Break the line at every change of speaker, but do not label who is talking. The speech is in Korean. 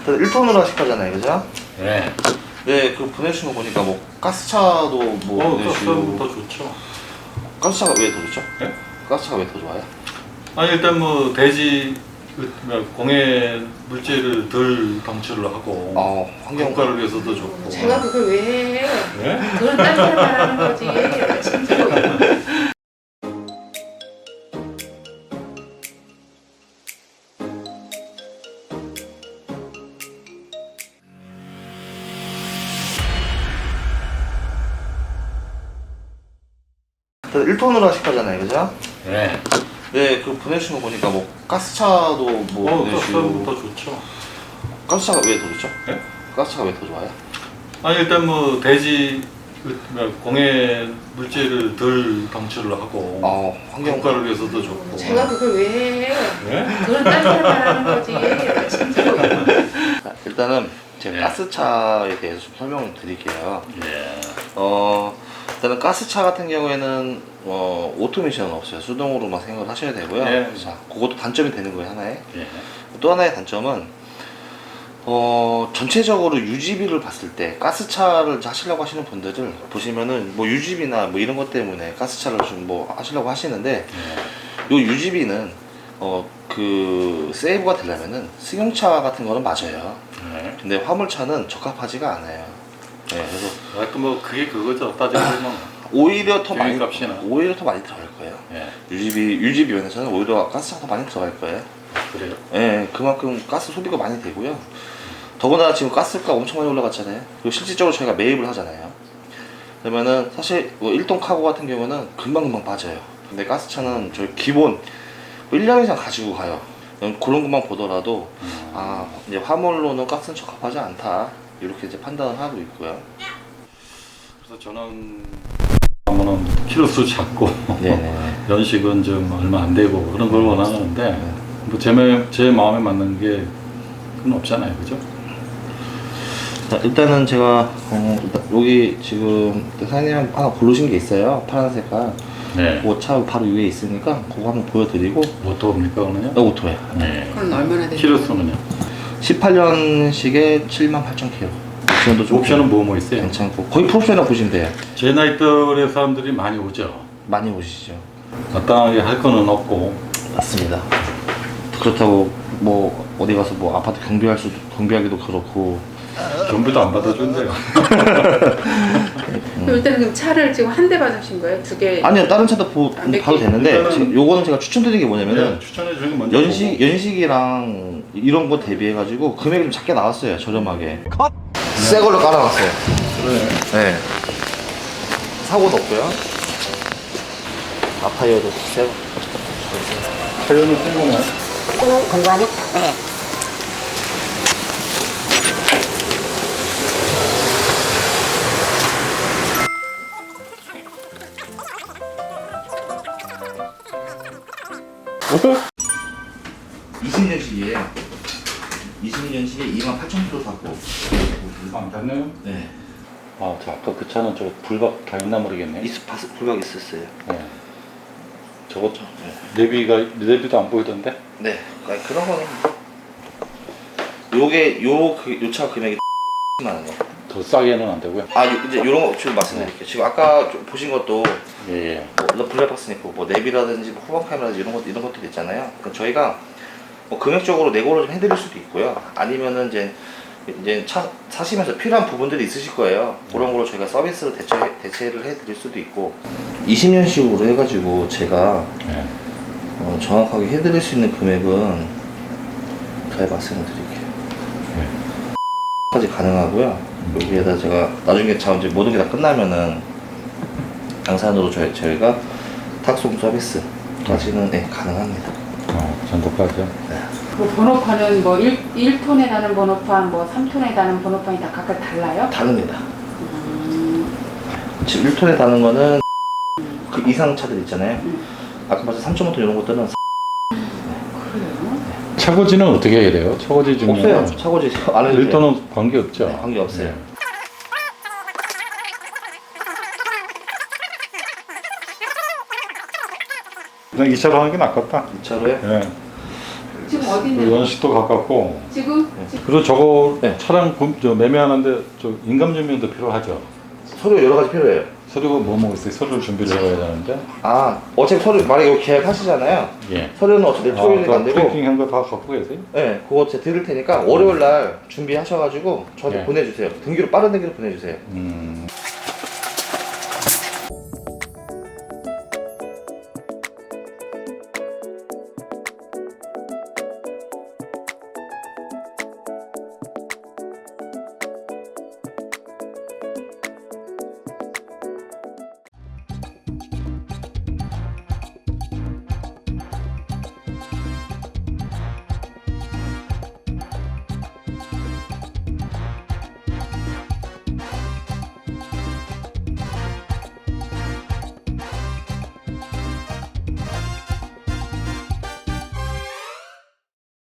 1톤으로 하실 거잖아요, 그죠?
네.
네, 그 보내주신 거 보니까 뭐 가스차도 뭐 보내주시고.
더 좋죠.
가스차가 왜 더 좋죠?
네?
가스차가 왜 더 좋아요?
아니 일단 뭐 대지 공해 물질을 덜 방출을 하고
환경
국가를 위해서도 좋고.
제가 그걸 왜 해?
네?
그건 딴 사람 말하는 거지. 진짜.
다들 1톤으로 하실 거잖아요, 그죠?
네.
네, 그 보내주신 거 보니까 뭐 가스차도 뭐 보내주시고.
더 좋죠.
가스차가 왜 더 좋죠?
네?
가스차가 왜 더 좋아요?
아니 일단 뭐 대지 공해 물질을 덜 방출을 하고
환경
국가를 위해서도 좋고.
제가 그걸 왜 해?
네?
그건 딴 사람 말하는 거지. 진짜.
일단은 제가
네.
가스차에 대해서 좀 설명을 드릴게요.
예.
일단은 가스차 같은 경우에는 오토메이션은 없어요. 수동으로만 생각을 하셔야 되고요.
네.
자, 그것도 단점이 되는 거예요, 하나의.
예.
또 하나의 단점은 전체적으로 유지비를 봤을 때 가스차를 하시려고 하시는 분들을 보시면은 뭐 유지비나 뭐 이런 것 때문에 가스차를 좀 뭐 하시려고 하시는데 요 유지비는 그 세이브가 되려면은 승용차 같은 거는 맞아요.
네.
근데 화물차는 적합하지가 않아요. 네, 그래서
하여튼 뭐 그게 그거죠. 따지고 보면.
오히려 더 많이
값이나.
들어갈 거예요.
예.
유지비 면에서는 오히려 가스차가 더 많이 들어갈 거예요.
그래요?
예, 그만큼 가스 소비가 많이 되고요. 더구나 지금 가스가 엄청 많이 올라갔잖아요. 그리고 실질적으로 저희가 매입을 하잖아요. 그러면은 사실 뭐 1톤 카고 같은 경우는 금방금방 빠져요. 근데 가스차는 저희 기본 1년 이상 가지고 가요. 그런 것만 보더라도 이제 화물로는 가스는 적합하지 않다. 이렇게 이제 판단을 하고 있고요.
그래서 저는 하면은 키로수 작고 연식은 좀 얼마 안 되고 그런 걸 원하는데 뭐 제 마음에 맞는 게 그건 없잖아요, 그죠?
자, 일단은 제가 여기 지금 사장님 하나 고르신 게 있어요. 파란 색깔.
네.
그 차 바로 위에 있으니까 그거 한번 보여드리고.
오토입니까 그러면요?
오토예요.
네.
그건 얼마나 돼?
키로수는요?
18년식에 78,000km. 옵션도 좀
옵션은 뭐 있어요?
괜찮고 거의 풀옵션이라고 보시면 돼요.
제 나이대의 사람들이 많이 오죠.
많이 오시죠.
마땅하게 할 거는 없고.
맞습니다. 그렇다고 뭐 어디 가서 뭐 아파트 경비하기도 그렇고.
경비도 안 받아준대요.
일단은 그럼 차를 지금 한 대 받으신 거예요? 두 개?
아니요, 다른 차도 봐도 되는데
일단은-
지금 요거는 제가 추천드리는 게 뭐냐면은
네, 추천해 주는 게 먼저
연식이랑 이런 거 대비해가지고 금액이 좀 작게 나왔어요. 저렴하게. 새 걸로 깔아놨어요. 네. 사고도 없고요. 아파이어도 새 거.
타이어는 새 거네.
공부하니? 네.
어?
20년식이에요. 20년식에 28,000km 탔고.
안 탔네요?
네.
아, 저 아까 그 차는 저 불박 다 있나 모르겠네.
불박 있었어요.
네. 저거 내비도 안 보이던데?
네. 그런 거는 요게 요 차 금액이 많은 거.
더 싸게는 안 되고요.
이제 요런 거 지금 말씀드릴게요. 지금 아까 좀 보신 것도
예.
뭐 블랙박스 있고 뭐 내비라든지 뭐 후방 카메라든지 이런 것들 있잖아요. 그러니까 저희가 뭐 금액적으로 내고를 좀 해드릴 수도 있고요. 아니면은 이제 차 사시면서 필요한 부분들이 있으실 거예요. 그런 걸로 저희가 서비스를 대체를 해드릴 수도 있고. 20년식으로 해가지고 제가
네.
정확하게 해드릴 수 있는 금액은 잘 말씀을 드릴게요. 까지 가능하고요. 여기에다 제가 나중에 이제 모든 게 다 끝나면은 양산으로 저희가 탁송 서비스까지는 가능합니다.
전도까지요?
네.
뭐 번호판은 뭐 1톤에 다는 번호판, 뭐 3톤에 다는 번호판이 다 각각 달라요?
다릅니다. 지금 1톤에 다는 거는 그 이상 차들 있잖아요. 아까 말씀 3.5톤 이런 것들은
그래요?
차고지는 어떻게 해야 돼요? 차고지 중에
없어요. 차고지 안 해도 돼요.
1톤은 관계 없죠?
네, 관계 없어요.
네. 그냥 2차로 하는 게 낫겠다.
2차로요?
네.
지금 어디
그
있는?
연식도 가깝고.
지금?
그리고 저거
네.
차량 매매하는데 저 인감증명도 필요하죠.
서류 여러 가지 필요해요.
서류가 뭐 있어요? 서류를 준비를 해야 되는데.
어차피 서류 만약에 여기 계약하시잖아요.
예.
서류는 어차피 토요일에 안 되고.
프린팅한 거 다 갖고 계세요?
네, 그거 제가 드릴 테니까 월요일 날 준비하셔가지고 저한테
네.
보내주세요. 등기로 빠른 등기로 보내주세요.